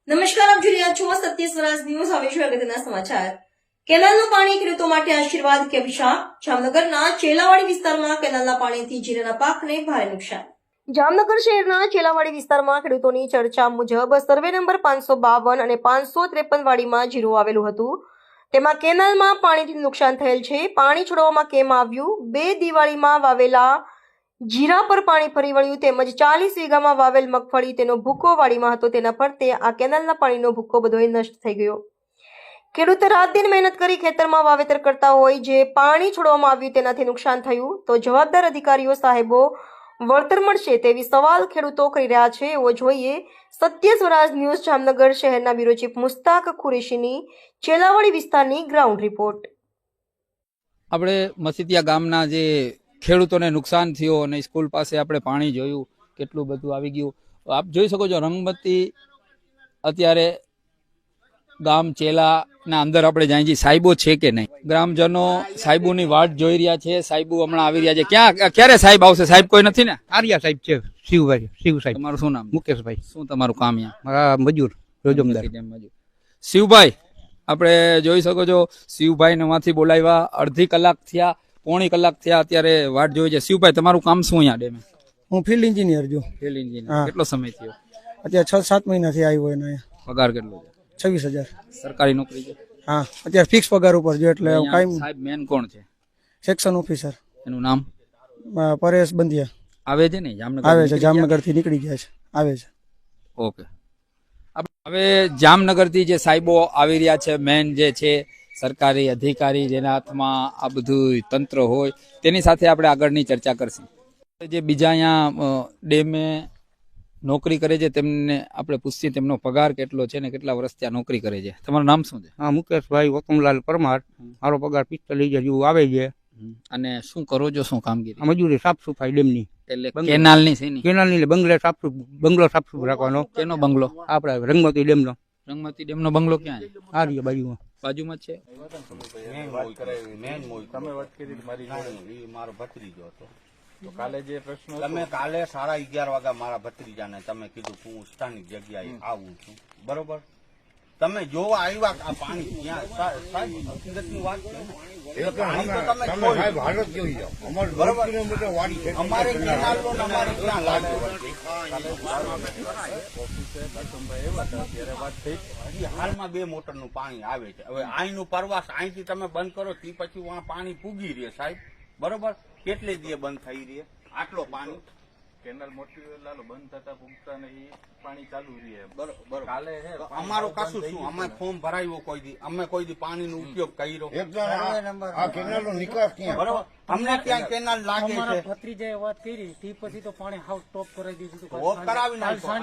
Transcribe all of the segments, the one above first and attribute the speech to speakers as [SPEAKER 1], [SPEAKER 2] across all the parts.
[SPEAKER 1] નમસ્કાર, આપ જોઈ રહ્યા છો સત્ય સ્વરાજ ન્યૂઝ. હવે છે અગત્યના સમાચાર. કેનાલનું પાણી ખેડૂતો માટે આશીર્વાદ કે અભિશાપ? જામનગરના ચેલાવાડી વિસ્તારમાં કેનાલના પાણીથી જીરાના પાકને ભારે નુકસાન. જામનગર શહેરના ચેલાવાડી વિસ્તારમાં ખેડૂતોની ચર્ચા મુજબ સર્વે નંબર 552 અને 553 વાડીમાં જીરું આવેલું હતું. તેમાં કેનાલમાં પાણીથી નુકસાન થયેલ છે. પાણી છોડવામાં કેમ આવ્યું? 2 દિવાળીમાં વાવેલા જીરા પર પાણી ફરી વળ્યું, તેમજ 40 વીઘામાં વાવેલ મગફળી તેનો ભૂકો વાડીમાં હતો. તેના ફરતે આ કેનાલના પાણીનો ભૂકો બધોય નષ્ટ થઈ ગયો. ખેડૂત રાત દિન મહેનત કરી ખેતરમાં વાવેતર કરતા હોય, જે પાણી છોડવામાં આવ્યું તેનાથી નુકસાન થયું, તો જવાબદાર અધિકારીઓ સાહેબો વળતર મળશે તેવી સવાલ ખેડૂતો કરી રહ્યા છે. એવો જોઈએ સત્ય સ્વરાજ ન્યૂઝ જામનગર શહેરના બ્યુરો ચીફ મુસ્તાક કુરેશીની ચેલાવાડી વિસ્તારની ગ્રાઉન્ડ રિપોર્ટ.
[SPEAKER 2] આપણે મસીતિયા ગામના જે ખેડૂતોને નુકસાન થયો અને સ્કૂલ પાસે આપણે પાણી જોયું, કેટલું બધું આવી ગયું. આપ જોઈ શકો છો રંગમતી અત્યારે ગામ ચેલાના અંદર આપણે જાય છીએ. સાહેબો છે કે નહીં? ગ્રામજનો સાહેબોની વાટ જોઈ રહ્યા છે. સાહેબો હમણાં આવી રહ્યા છે. ક્યારે સાહેબ આવશે? સાહેબ કોઈ નથી ને?
[SPEAKER 3] આર્યા સાહેબ છે. શિવ સાહેબ.
[SPEAKER 2] તમારું શું નામ?
[SPEAKER 3] મુકેશભાઈ.
[SPEAKER 2] શું તમારું કામ?
[SPEAKER 3] મારા મજૂર રોજમદાર.
[SPEAKER 2] શિવભાઈ, આપણે જોઈ શકો છો શિવભાઈ ને માંથી બોલાવ્યા. અડધી કલાક થયા, પોણી કલાક થયા, અત્યારે વાટ જોઈ છે. શિવભાઈ, તમારું કામ શું અહીંયા ડેમે?
[SPEAKER 3] હું ફિલ્ડ એન્જિનિયર છું.
[SPEAKER 2] Field engineer. કેટલો સમય થયો?
[SPEAKER 3] અત્યારે 6-7 મહિનાથી આવ્યો એને.
[SPEAKER 2] પગાર કેટલો છે?
[SPEAKER 3] 26,000.
[SPEAKER 2] સરકારી નોકરી છે?
[SPEAKER 3] હા, અત્યારે ફિક્સ પગાર ઉપર જો એટલે કાયમ.
[SPEAKER 2] સાહેબ મેન કોણ છે?
[SPEAKER 3] Section officer.
[SPEAKER 2] એનું નામ?
[SPEAKER 3] પરેશ બંધિયા.
[SPEAKER 2] આવે છે ને જામનગર?
[SPEAKER 3] આવે છે, જામનગર થી નીકળી ગયા છે. આવે છે.
[SPEAKER 2] ઓકે. હવે જામનગર થી જે સાહેબો આવી રહ્યા છે, મેન જે છે સરકારી અધિકારી, જેના હાથમાં આ બધું તંત્ર હોય, તેની સાથે આપણે આગળની ચર્ચા કરશું. જે બીજા અહીંયા ડેમે નોકરી કરે છે તેમને આપણે પૂછીએ તેમનો પગાર કેટલો છે ને કેટલા વર્ષ ત્યાં નોકરી કરે છે. તમારું નામ શું છે?
[SPEAKER 3] હા, મુકેશભાઈ વકમલાલ પરમાર. મારો પગાર 45,000 જેવું આવે છે.
[SPEAKER 2] અને શું કરો છો? શું કામગીરી?
[SPEAKER 3] મજૂરી સાફ સફાઈ ડેમની.
[SPEAKER 2] એટલે કેનાલની છે ને?
[SPEAKER 3] કેનાલની બંગલો સાફ રાખવાનો.
[SPEAKER 2] કેનો બંગલો?
[SPEAKER 3] આપડે રંગમતી ડેમનો.
[SPEAKER 2] રંગમતી ડેમનો બંગલો ક્યાં છે?
[SPEAKER 3] આ રહ્યો બાજુમાં.
[SPEAKER 2] બાજુમાં જ છે.
[SPEAKER 4] મારો ભત્રીજો હતો. તો કાલે જે પ્રશ્ન તમે કાલે 11:30 વાગે મારા ભત્રીજાને તમે કીધું કે હું સ્થાનિક જગ્યાએ આવું છું, બરોબર? તમે જોવા આવ્યા આ પાણી ક્યાં? સાહેબ હકીકતની વાત છે ને, પાણી તો તમે સાહેબ હાલત જોઈ જાઓ. બરોબર, અમારે કેનાલનો અમારે ક્યાં લાગ્યો? હાલમાં 2 મોટરનું પાણી આવે છે. હવે અહીંનું પરવાસ અહીંથી તમે બંધ કરો તે પછી વહાં પાણી પૂગી રહે સાહેબ, બરોબર? કેટલે દીએ બંધ થઈ રહે આટલો પાણી?
[SPEAKER 5] કેનાલ મોટી લાલો બંધ થતા પૂગતા ને ઈ પાણી ચાલુ રહે.
[SPEAKER 4] બરોબર.
[SPEAKER 5] કાલે હે
[SPEAKER 4] અમારો કશું શું, અમે ફોર્મ ભરાયું કોઈ દી, અમે કોઈ દી પાણીનો ઉપયોગ કર્યો?
[SPEAKER 6] આ કેનાલનો નિકાસ ક્યાં?
[SPEAKER 4] બરોબર, અમને ત્યાં કેનાલ લાગે છે.
[SPEAKER 7] ભત્રીજાએ વાત કરી તે પછી તો પાણી હાવ ટોપ કરાવી દીધું હતું.
[SPEAKER 4] ઓફ કરાવી નાખ્યો.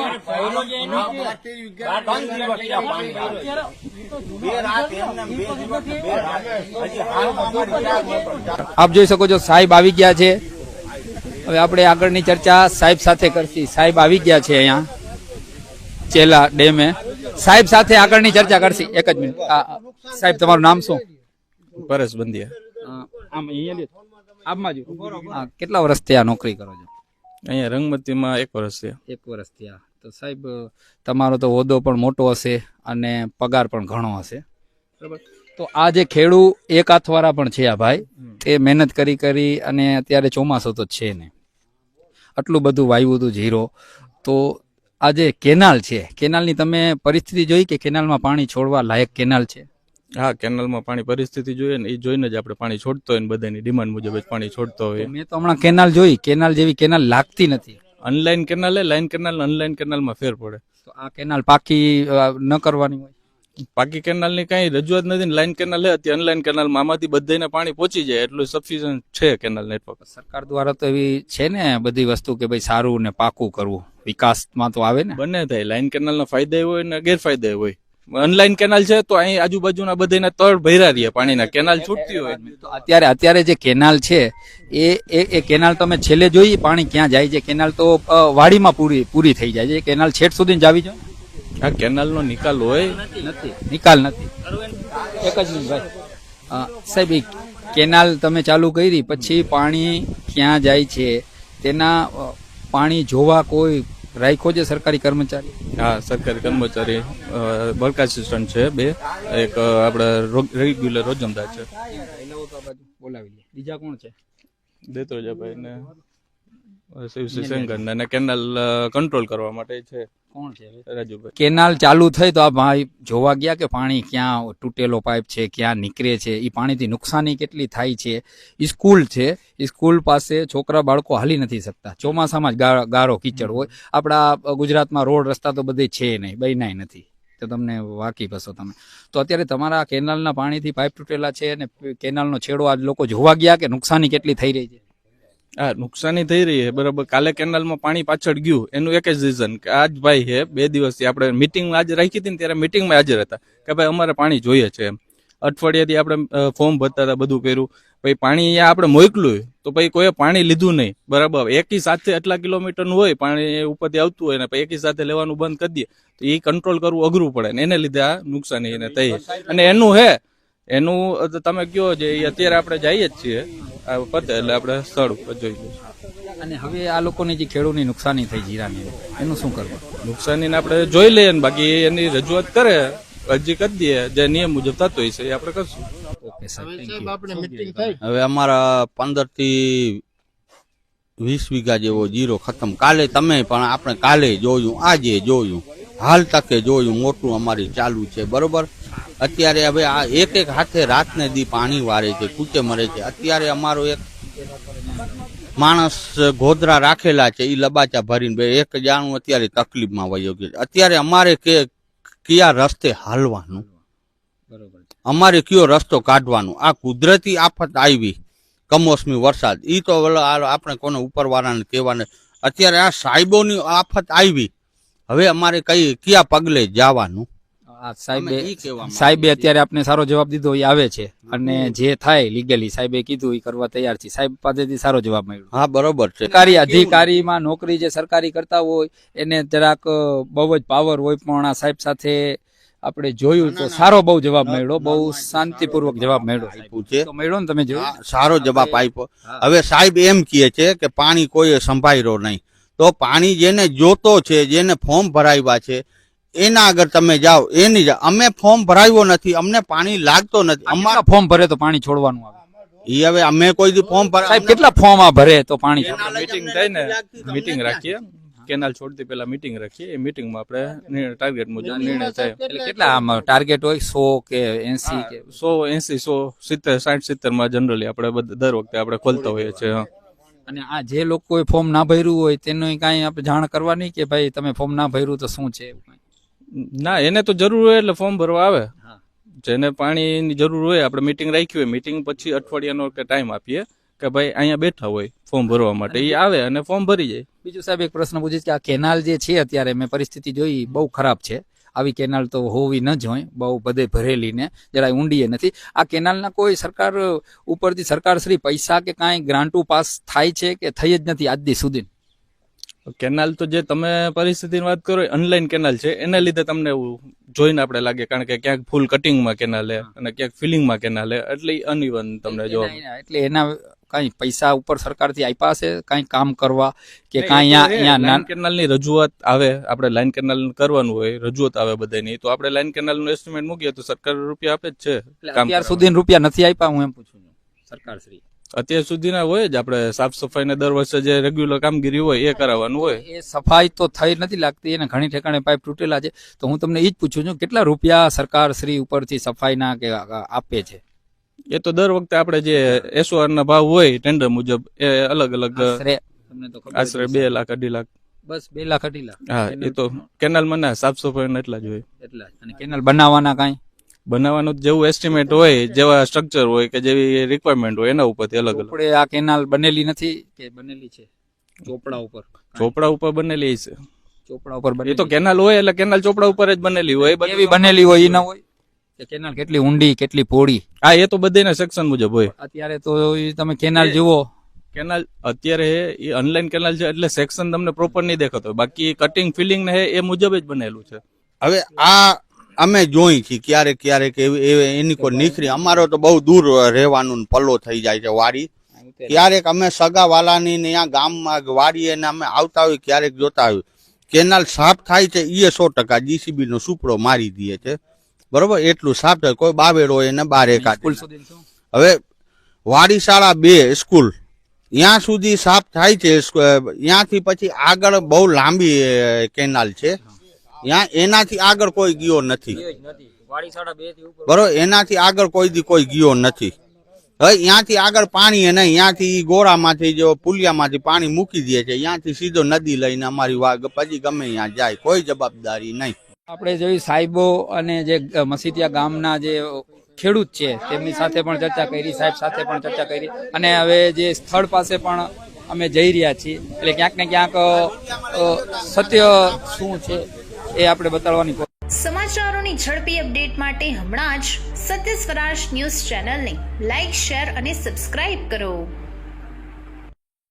[SPEAKER 4] 2 રાત એમને 2 દિવસ હજી હાલમાં અમારી
[SPEAKER 2] આપ જોઈ શકો છો સાહેબ આવી ગયા છે. હવે આપણે આગળની ચર્ચા સાહેબ સાથે કરશી. સાહેબ આવી ગયા છે અહીંયા ચેલા ડેમે. સાહેબ સાથે આગળની ચર્ચા કરશી. એક જ મિનિટ. સાહેબ, તમારું નામ શું?
[SPEAKER 5] પરેશ બંધિયા.
[SPEAKER 2] આમ અહીંયા આપમાં જ. કેટલા વર્ષથી આ નોકરી કરો છો?
[SPEAKER 5] અહીંયા રંગમતીમાં 1 વર્ષ છે.
[SPEAKER 2] 1 વર્ષ થયા. તો સાહેબ, તમારો તો હોદ્દો પણ મોટો હશે અને પગાર પણ ઘણો હશે, બરાબર? તો આ જે ખેડૂ એક હાથવાળા પણ છે આ ભાઈ, તે મહેનત કરી અને અત્યારે ચોમાસો તો છે ને, આટલું બધું વાવ્યું હતું જીરો. તો આ જે કેનાલ છે, કેનાલની તમે પરિસ્થિતિ જોઈ કે કેનાલમાં પાણી છોડવા લાયક કેનાલ છે?
[SPEAKER 5] હા, કેનાલમાં પાણી પરિસ્થિતિ જોઈએ ને એ જોઈને જ આપણે પાણી છોડતો હોય ને બધાની ડિમાન્ડ મુજબ જ પાણી છોડતો હોય.
[SPEAKER 2] મેં તો હમણાં કેનાલ જોઈ, કેનાલ જેવી કેનાલ લાગતી નથી.
[SPEAKER 5] Unlined canal line canal unlined કેનાલમાં ફેર પડે.
[SPEAKER 2] તો આ કેનાલ પાકી ન કરવાની હોય?
[SPEAKER 5] બાકી કેનાલની કઈ રજૂઆત નથી ને લાઈન કેનાલ હે અત્યારે અનલાઈન કેનાલમાં આમાંથી બધાને પાણી પહોંચી જાય એટલું સફિશિયન્ટ છે કેનાલ નેટવર્ક. સરકાર
[SPEAKER 2] દ્વારા તો એવી છે ને બધી વસ્તુ કે ભાઈ સારું ને પાકું કરવું, વિકાસમાં તો આવે ને.
[SPEAKER 5] બંને થાય. લાઈન કેનાલના ફાયદા હોય ને ગેરફાયદા હોય. અનલાઈન કેનાલ છે તો અહીં આજુબાજુના બધાના તળ ભર્યા રહીએ પાણીના, કેનાલ છૂટતી હોય.
[SPEAKER 2] તો અત્યારે જે કેનાલ છે એ કેનાલ તમે છેલ્લે જોઈ પાણી ક્યાં જાય છે? કેનાલ તો વાડીમાં પૂરી થઈ જાય છે. કેનાલ છેટ સુધી જાવી જોઈએ.
[SPEAKER 5] આ કેનાલનો નિકાલ હોય
[SPEAKER 2] નથી, નિકાલ નથી. એક જ મિનિટ ભાઈ. સાહેબ, કેનાલ તમે ચાલુ કરી પછી પાણી ક્યાં જાય છે તેના પાણી જોવા કોઈ રાખ્યો છે સરકારી કર્મચારી?
[SPEAKER 5] હા, સરકારી કર્મચારી વર્ક આસિસ્ટન્ટ છે 2, એક આપણે રેગ્યુલર રોજમદાર છે.
[SPEAKER 2] બોલાવી લે. બીજા કોણ છે?
[SPEAKER 5] દેત્રોજાભાઈ ને શિવસિંહ સેંગર ને કેનાલ કંટ્રોલ કરવા માટે છે
[SPEAKER 2] કોણ છે?
[SPEAKER 5] રાજુભાઈ.
[SPEAKER 2] કેનાલ ચાલુ થઈ તો આ ભાઈ જોવા ગયા કે પાણી ક્યાં તૂટેલો પાઇપ છે, ક્યાં નીકળે છે, એ પાણીથી નુકસાની કેટલી થાય છે. સ્કૂલ છે, સ્કૂલ પાસે છોકરા બાળકો હાલી નથી શકતા. ચોમાસામાં જ ગારો કીચડ હોય. આપણા ગુજરાતમાં રોડ રસ્તા તો બધે છે નહીં, બન્યાય નથી, તો તમને વાકેફ હશો તમે. તો અત્યારે તમારા કેનાલના પાણીથી પાઇપ તૂટેલા છે અને કેનાલનો છેડો આજ લોકો જોવા ગયા કે નુકસાની કેટલી થઈ રહી છે?
[SPEAKER 5] હા, નુકસાની થઈ રહી છે બરાબર. કાલે કેનાલમાં પાણી પાછળ ગયું એનું એક જ રીઝન કે આજ ભાઈ છે 2 દિવસથી આપણે મિટિંગ આજે રાખી હતી ને ત્યારે મિટિંગમાં હાજર હતા કે ભાઈ અમારે પાણી જોઈએ છે એમ. અઠવાડિયાથી આપણે ફોર્મ ભરતા હતા, બધું કર્યું, પછી પાણી અહીંયા આપણે મોકલ્યું તો પછી કોઈ પાણી લીધું નહીં બરાબર. એકી સાથે આટલા કિલોમીટરનું હોય પાણી ઉપરથી આવતું હોય ને પછી એકી સાથે લેવાનું બંધ કરી દઈએ તો એ કંટ્રોલ કરવું અઘરું પડે ને એને લીધે આ નુકસાની એને થઈ. અને એનું તમે કહો જે અત્યારે આપણે જઈએ જ છીએ આ પતે એટલે આપણે સ્થળ ઉપર જોઈ લઈશું.
[SPEAKER 2] અને હવે આ લોકોની જે ખેડૂતની નુકસાની થઈ જીરાની, એનું શું કરવું?
[SPEAKER 5] નુકસાનીને આપણે જોઈ લઈએ ને બાકી એની રજૂઆત કરે, અરજી કરી દઈએ, જે નિયમ મુજબ થતો હોય છે એ આપણે કરશું.
[SPEAKER 2] ઓકે સાહેબ,
[SPEAKER 4] હવે અમારા 15 થી 20 વીઘા જેવો જીરો ખતમ. કાલે તમે પણ આપણે કાલે જોયું, આજે જોયું, હાલ તકે જોયું, મોટું અમારી ચાલુ છે બરોબર. અત્યારે હવે આ એક હાથે રાતને દી પાણી વારે છે, કૂચે મરે છે. અત્યારે અમારો એક માણસ ગોધરા રાખેલા છે, એ લબાચા ભરીને એક જાણું અત્યારે તકલીફમાં વયો ગયો. અત્યારે અમારે કયા રસ્તે હાલવાનું, અમારે કયો રસ્તો કાઢવાનો? આ કુદરતી આફત આવી, કમોસમી વરસાદ, ઈ તો આપણે કોને ઉપરવાળાને કહેવાને. અત્યારે આ સાહેબોની આફત આવી, હવે અમારે કયા પગલે જવાનું?
[SPEAKER 2] સાહેબે અત્યારે આપને સારો જવાબ દીધો, એ આવે છે અને જે થાય લીગલી સાહેબે કીધું એ કરવા તૈયાર છે. સાહેબ પાસેથી સારો જવાબ મળ્યો.
[SPEAKER 4] હા બરોબર છે.
[SPEAKER 2] સરકારી અધિકારીમાં નોકરી જે સરકારી કરતા હોય એને જરાક બહુ જ પાવર હોય, પણ આ સાહેબ સાથે આપણે જોયું તો સારો બહુ જવાબ મળ્યો, બહુ શાંતિપૂર્વક જવાબ મળ્યો. તો મળ્યો ને, તમે જોયું?
[SPEAKER 4] સારો જવાબ આપ્યો. હવે સાહેબ એમ કહે છે કે પાણી કોઈએ સંભાળ્યો નહીં. તો પાણી જેને જોતો છે, જેને ફોર્મ ભરાવ્યા છે એના આગળ તમે જાઓ. એની અમે ફોર્મ ભરાવ્યો નથી, અમને પાણી લાગતો નથી.
[SPEAKER 2] અમારા ફોર્મ ભરે તો પાણી છોડવાનું આવે.
[SPEAKER 4] ઈ હવે અમે કોઈ દી ફોર્મ
[SPEAKER 2] સાહેબ કેટલા ફોર્મ આ ભરે તો પાણી
[SPEAKER 5] મીટિંગ થાય ને, મીટિંગ રાખીએ, કેનાલ છોડતી પહેલા મીટિંગ રાખીએ. એ મીટિંગમાં આપણે ટાર્ગેટ મુજબ નિર્ણય થાય.
[SPEAKER 2] એટલે કેટલા આમ ટાર્ગેટ હોય? 100 કે 80 કે
[SPEAKER 5] 100, 80, 100, 70, 60, 70 માં જનરલી આપણે દર વખતે આપણે ખોલતા હોઈએ છીએ.
[SPEAKER 2] અને આ જે લોકોએ ફોર્મ ના ભર્યું હોય તેનું કાંઈ આપણે જાણ કરવાની કે ભાઈ તમે ફોર્મ ના ભર્યું તો શું છે?
[SPEAKER 5] ના, એને તો જરૂર હોય એટલે ફોર્મ ભરવા આવે. જેને પાણીની જરૂર હોય આપણે મીટિંગ રાખી હોય, મીટિંગ પછી અઠવાડિયાનો કે ટાઈમ આપીએ કે ભાઈ અહીંયા બેઠા હોય ફોર્મ ભરવા માટે, એ આવે અને ફોર્મ ભરી જાય.
[SPEAKER 2] બીજું સાહેબ એક પ્રશ્ન પૂછીશ કે આ કેનાલ જે છે અત્યારે મેં પરિસ્થિતિ જોઈ બહુ ખરાબ છે. આવી કેનાલ તો હોવી ન જોઈએ, બહુ બધે ભરેલી ને જરાય ઊંડીએ નથી. આ કેનાલના કોઈ સરકાર ઉપરથી સરકાર શ્રી પૈસા કે કાંઈ ગ્રાન્ટો પાસ થાય છે કે થઈ જ નથી આજ દી સુધી?
[SPEAKER 5] કેનાલ તો જે તમે પરિસ્થિતિની વાત કરો ઓનલાઈન કેનાલ છે, એના લીધે તમને એવું જોઈને આપણે લાગે, કારણ કે ક્યાંક ફૂલ કટિંગમાં કેનાલ અને ક્યાંક ફિલિંગમાં કેનાલ, એટલે અનઇવન તમને જોવા.
[SPEAKER 2] એટલે એના કઈ પૈસા ઉપર સરકારથી આપ્યા છે કઈ કામ કરવા કે કઈ અહીંયા
[SPEAKER 5] કેનાલની રજૂઆત આવે, આપણે લાઈન કેનાલ કરવાનું હોય, રજૂઆત આવે બધાની, તો આપણે લાઈન કેનાલ નું એસ્ટિમેટ મૂકીએ તો સરકાર રૂપિયા આપે જ છે.
[SPEAKER 2] અત્યાર સુધી રૂપિયા નથી આપ્યા? હું એમ પૂછું છું સરકાર શ્રી.
[SPEAKER 5] અત્યાર સુધીના હોય જ, આપણે સાફ સફાઈ ને દર વર્ષે જે રેગ્યુલર કામગીરી હોય એ કરાવવાનું હોય.
[SPEAKER 2] એ સફાઈ તો થઈ નથી લાગતી, એને ઘણી ઠેકાણે પાઇપ તૂટેલા છે. તો હું તમને એ જ પૂછું છું કેટલા રૂપિયા સરકાર શ્રી ઉપરથી સફાઈના કે આપે છે?
[SPEAKER 5] એ તો દર વખતે આપણે જે એસઓઆર ના ભાવ હોય ટેન્ડર મુજબ એ અલગ અલગ, આશરે 2 લાખ 2.5 લાખ.
[SPEAKER 2] બસ 2 લાખ 2.5 લાખ?
[SPEAKER 5] હા, એ તો કેનાલમાં ના સાફ સફાઈ એટલા જ હોય.
[SPEAKER 2] એટલા. અને કેનાલ બનાવવાના કાંઈ
[SPEAKER 5] બનાવવાનું જેવું એસ્ટિમેટ હોય, જેવા સ્ટ્રક્ચર હોય કે જેવી રિક્વાયરમેન્ટ હોય એના ઉપરથી અલગ અલગ.
[SPEAKER 2] આ કેનાલ બનેલી નથી કે બનેલી છે? ચોપડા ઉપર?
[SPEAKER 5] ચોપડા ઉપર બનેલી છે.
[SPEAKER 2] ચોપડા ઉપર
[SPEAKER 5] એ તો કેનાલ હોય એટલે કેનાલ ચોપડા ઉપર જ બનેલી હોય.
[SPEAKER 2] એવી બનેલી હોય એ ના હોય કે કેનાલ કેટલી ઊંડી કેટલી પહોળી?
[SPEAKER 5] હા, એ તો બધાના સેક્શન મુજબ હોય.
[SPEAKER 2] અત્યારે તો તમે કેનાલ જુઓ,
[SPEAKER 5] કેનાલ અત્યારે એ ઓનલાઈન કેનાલ છે એટલે સેક્શન તમને પ્રોપર નહીં દેખાતો, બાકી કટિંગ ફિલિંગ ને એ મુજબ જ બનેલું છે.
[SPEAKER 4] હવે આ અમે જોઈ છીએ ક્યારેક ક્યારેક એની કોઈ નીકળી. અમારો તો બહુ દૂર રહેવાનું પલ્લો થઈ જાય છે વાડી. ક્યારેક અમે સગા વાલાની ત્યાં ગામમાં વાડીએ ને અમે આવતા હોય, ક્યારેક જોતા હોય કેનાલ સાફ થાય છે એ 100% જીસીબી નો સુપડો મારી દે છે, બરોબર, એટલું સાફ થાય. કોઈ બાવેડ હોય ને બાર એકાદ.
[SPEAKER 2] સ્કૂલ સુધી શું?
[SPEAKER 4] હવે વાડી શાળા 2 સ્કૂલ ત્યાં સુધી સાફ થાય છે. ત્યાંથી પછી આગળ બહુ લાંબી કેનાલ છે, ત્યાં એનાથી આગળ કોઈ ગયો નથી, બરોબર, એનાથી આગળ કોઈ દી કોઈ ગયો નથી. હવે ત્યાંથી આગળ પાણી નહીં, ત્યાંથી ગોળામાંથી જો પુલિયામાંથી પાણી મૂકી દે છે, ત્યાંથી સીધો નદી લઈને અમારી વાગ પછી ગમે ત્યાં જાય, કોઈ જવાબદારી નહીં.
[SPEAKER 2] આપણે જોયું સાહેબો અને જે મસીતિયા ગામના જે ખેડૂત છે તેમની સાથે પણ ચર્ચા કરી, સાહેબ સાથે પણ ચર્ચા કરી, અને હવે જે સ્થળ પાસે પણ અમે જઈ રહ્યા છીએ. એટલે ક્યાંક ને ક્યાંક સત્ય શું છે એ આપણે બતાડવાની
[SPEAKER 8] સમાચારોની ઝડપી અપડેટ માટે હમણાં જ સત્ય સ્વરાજ ન્યૂઝ ચેનલને લાઇક, શેર અને સબસ્ક્રાઇબ કરો.